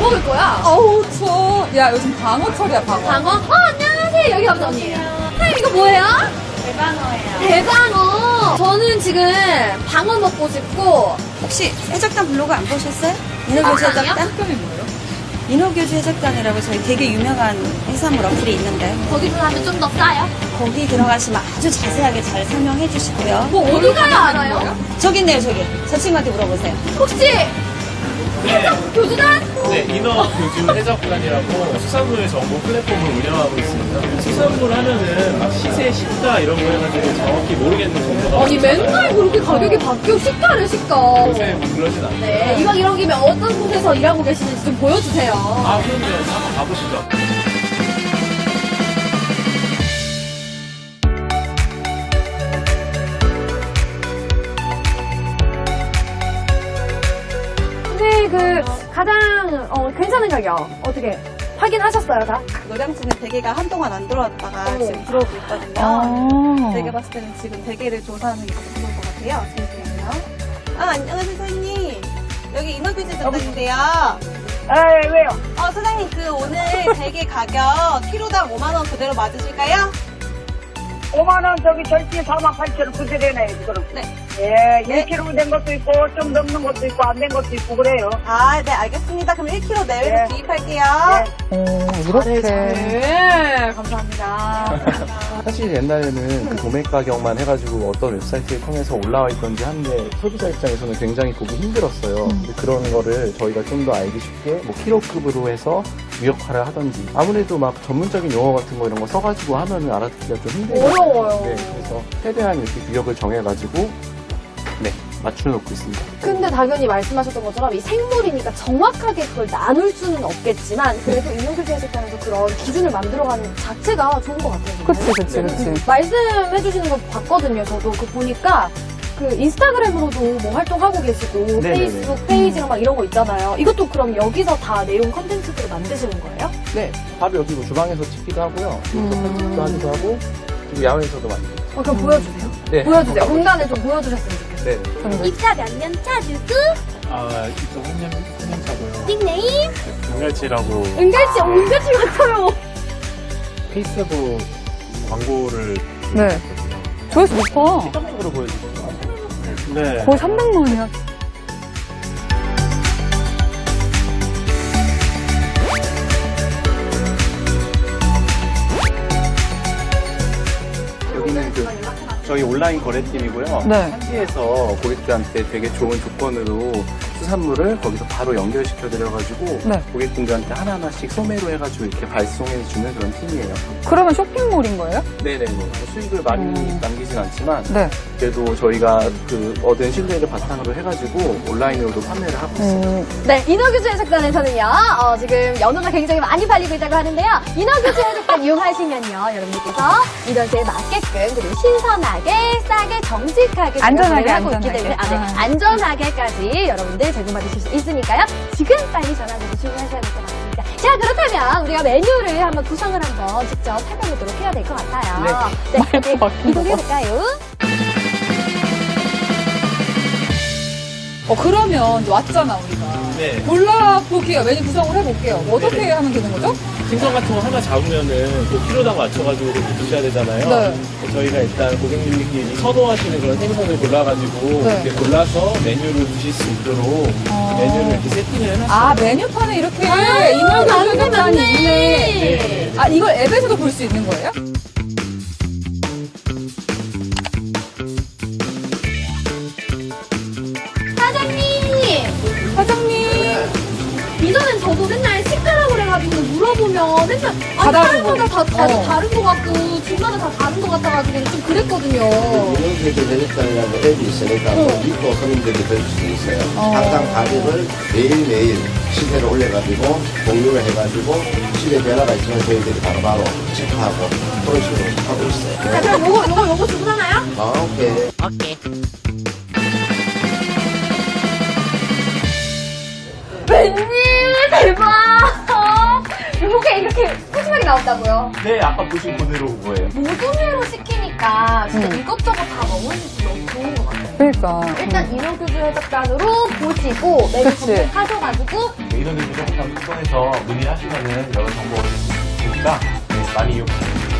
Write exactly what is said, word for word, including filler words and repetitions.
먹을 거야? 어우, 추워. 야, 요즘 방어철이야, 방어. 방어? 어, 안녕하세요. 여기 감사합니다. 선생님, 이거 뭐예요? 대방어예요. 대방어. 저는 지금 방어 먹고 싶고. 혹시 해적단 블로그 안 보셨어요? 인어교주 아니요? 해적단? 특별히 뭐예요? 인어교주 해적단이라고 저희 되게 유명한 해산물 어플이 있는데 거기서 하면 좀 더 싸요? 거기 들어가시면 아주 자세하게 잘 설명해 주시고요. 뭐 어디 가야 알아요? 저기 있네요, 저기. 저 친구한테 물어보세요. 혹시 해적 교주단? 네, 인어 교주 해적단이라고 수산물 정보 플랫폼을 운영하고 있습니다. 수산물 하면은 막 시세, 시가 이런 거 해가지고 정확히 모르겠는 정보가 아니 맨날 그렇게 가격이 바뀌어. 시가를 시가. 요새 뭐 그러진 않아요. 네, 이왕 이런 김에 어떤 곳에서 일하고 계시는지 좀 보여주세요. 아, 그럼요. 한번 가보시죠. 근데 그 가장 어, 괜찮은 가격 어떻게 확인하셨어요 다? 노량진에 대게가 한동안 안 들어왔다가 어. 지금 들어오고 있거든요. 아. 제가 봤을 때는 지금 대게를 조사하는 게 더 좋을 것 같아요. 잠시만요. 아, 안녕하세요, 사장님. 여기 인어교주 해적단인데요. 아, 왜요? 어, 사장님, 그 오늘 대게 가격 키로당 오만 원 그대로 맞으실까요? 오만 원 저기 절대 사만 팔천 원 그대로네, 지금. 네. 예, 네. 일 킬로그램 된 것도 있고, 좀 넘는 것도 있고, 안 된 것도 있고, 그래요. 아, 네, 알겠습니다. 그럼 일 킬로그램 내외로 네. 구입할게요. 예. 이렇게. 네, 감사합니다. 사실 옛날에는 그 도매 가격만 해가지고 어떤 웹사이트를 통해서 올라와 있던지 한데 소비자 입장에서는 굉장히 보기 힘들었어요. 근데 그런 거를 저희가 좀 더 알기 쉽게 뭐 키로급으로 해서 무역화를 하던지 아무래도 막 전문적인 용어 같은 거 이런 거 써가지고 하면은 알아듣기가 좀 힘들어요. 어려워요. 네, 그래서 최대한 이렇게 구역을 정해가지고 네 맞춰놓고 있습니다. 근데 당연히 말씀하셨던 것처럼 이 생물이니까 정확하게 그걸 나눌 수는 없겠지만 그래도 인용교주 해석단에서 그런 기준을 만들어가는 자체가 좋은 것 같아요. 그치, 그치, 그치. 말씀해주시는 거 봤거든요. 저도 그 보니까 그 인스타그램으로도 뭐 활동하고 계시고 네네네. 페이스북 페이지랑 막 이런 거 있잖아요. 이것도 그럼 여기서 다 내용 컨텐츠들을 만드시는 거예요? 네, 바로 여기 뭐 주방에서 찍기도 하고요. 또 편집도 하기도 하고 그리고 야외에서도 만들고. 어, 그럼 보여주세요. 네. 보여주세요. 공간에 좀 보여주셨으면 좋겠어요. 네. 입사 몇 년 차 누구? 아, 이쪽 한년, 한년 차고요. 닉네임? 은갈치라고 은갈치, 어, 은갈치 같아요. 페이스북 광고를 네. 조회수 높아. 시각적으로 보여주세요. 네. 거의 삼백만이야. 여기는 그 저희 온라인 거래팀이고요. 네. 현지에서 고객들한테 되게 좋은 조건으로 수산물을 거기서 바로 연결시켜 드려가지고 네. 고객분들한테 하나하나씩 소매로 해가지고 이렇게 발송해 주는 그런 팀이에요. 그러면 쇼핑몰인 거예요? 네네네. 뭐 수익을 많이 음. 남기진 않지만 네. 그래도 저희가 그 얻은 신뢰를 바탕으로 해가지고 온라인으로도 판매를 하고 있어요. 음, 네, 인어교주 해석단에서는요, 어, 지금 연어가 굉장히 많이 팔리고 있다고 하는데요. 인어교주 해석단 이용하시면요, 여러분들께서 인어주에 맞게끔, 그리고 신선하게, 싸게, 정직하게 안전하게, 제공을 하고 있기 안전하게. 때문에, 아, 네, 아. 안전하게까지 여러분들 제공받으실 수 있으니까요. 지금 빨리 전화해서 주문하셔야 될 것 같습니다. 자, 그렇다면 우리가 메뉴를 한번 구성을 한번 직접 살펴보도록 해야 될 것 같아요. 네, 네, 네, 이동해볼까요? 어, 그러면 이제 왔잖아, 우리가. 네. 골라보기가 메뉴 구성을 해볼게요. 뭐 어떻게 네네. 하면 되는 거죠? 생선 같은 거 하나 잡으면은 그 키로당 맞춰가지고 이렇게 드셔야 되잖아요. 네. 저희가 일단 고객님들끼리 선호하시는 그런 생선을 골라가지고 네. 이렇게 골라서 메뉴를 드실 수 있도록 어. 메뉴를 이렇게 세팅을 해놨어요. 아, 메뉴판에 이렇게 인어교주 해석단이 있네. 아, 이걸 앱에서도 볼 수 있는 거예요? 사장님! 사장님. 이전엔 저도 맨날 시가라고 그래가지고 물어보면 맨날 아, 다 다른 다르고. 거다 다, 다, 어. 다른 거 같고 중간에 다 다른 거 같아가지고 좀 그랬거든요. 인어교주 해적단이라고 앱이 있으니까 어. 믿고 손님들이 들을 수 있어요. 어. 항상 가격을 매일매일 시세를 올려가지고 공유를 해가지고 시세 변화가 있으면 저희들이 바로바로 체크하고 그런 식으로 하고 있어요. 자, 그럼 요거, 요거, 요거 주문하나요? 아, 오케이. 웬일 대박! 요게 이렇게 푸짐하게 나온다고요? 네, 아까 보신 그대로 그거예요. 모둠회로 시키니까 진짜 이것저것 다 먹을 수 있어서 너무 좋은 것 같아요. 그러니까. 일단 인어교주 해적단으로 보시고 메뉴 그치. 검색하셔가지고 인어교주 해적단 통해서 문의하시면은 여러 정보 얻을 수 있으니까 네, 많이 이용해 주세요.